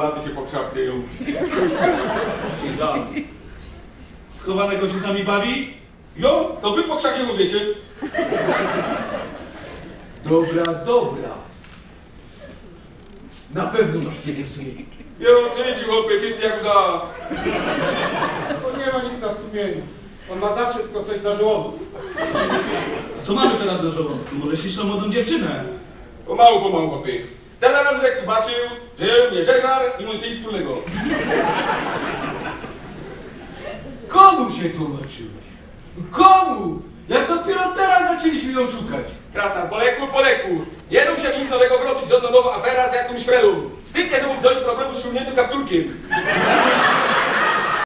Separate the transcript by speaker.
Speaker 1: baty się po krzak kryją.
Speaker 2: Chowanego się z nami bawi?
Speaker 1: Jo, to wy po krzacie mówicie.
Speaker 3: Dobra, dobra. Na pewno masz kiedy sumienie.
Speaker 1: Jo, życi chłopie, czysty jak za.
Speaker 4: On nie ma nic na sumieniu. On ma zawsze tylko coś na żołądku.
Speaker 2: Co mamy teraz do żołądku? Może śliczną młodą dziewczynę?
Speaker 1: Pomału, chłopie. Teraz jak zobaczył, że mnie żeżar i mój syn wspólnego.
Speaker 3: Komu się tłumaczyłeś? Komu? Jak dopiero teraz zaczęliśmy ją szukać.
Speaker 1: Krasna, po leku. Nie dał się nic nowego zrobić, żadna nowa afera z jakąś frelą. Styknie, że mógł dojść problemu z szumniętym kapturkiem.